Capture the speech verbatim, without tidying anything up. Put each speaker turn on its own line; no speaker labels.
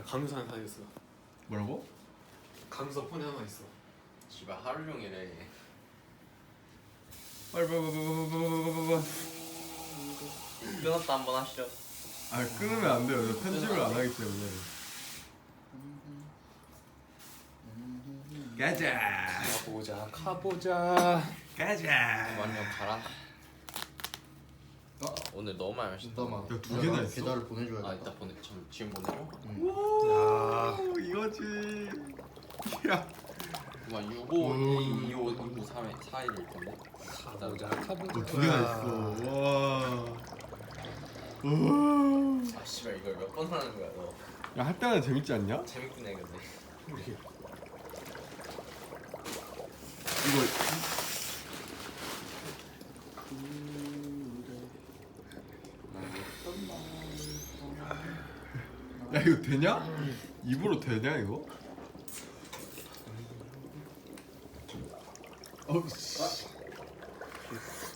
강유산 하나 있어.
뭐라고?
강유산 폰에 하나 있어.
씨발 하루 종일 해.
빨리 빨리 빨리 빨리 빨리.
끊었다 한번 하시죠.
아 끊으면 안 돼요. 저 편집을 안 하기 때문에. 가자.
가보자 가보자.
가자.
완전 가라.
어?
오늘 너무 많이 마셨다.
잠깐만.
야, 두 개나 있어?
계좌를 보내줘야겠다.
아 이따 보내. 참 지금 보내줘.
오 이거지. 야.
그만 육오 이오 이구 삼 사일일 텐데.
가보자 가보자.
어, 두 개나 있어. 와. 와.
아 씨발 이걸 몇 번 하는 거야 너.
야 할 때마다 재밌지 않냐?
재밌긴 해 근데.
이거 야 이거 되냐? 입으로 되냐 이거? 어우 씨.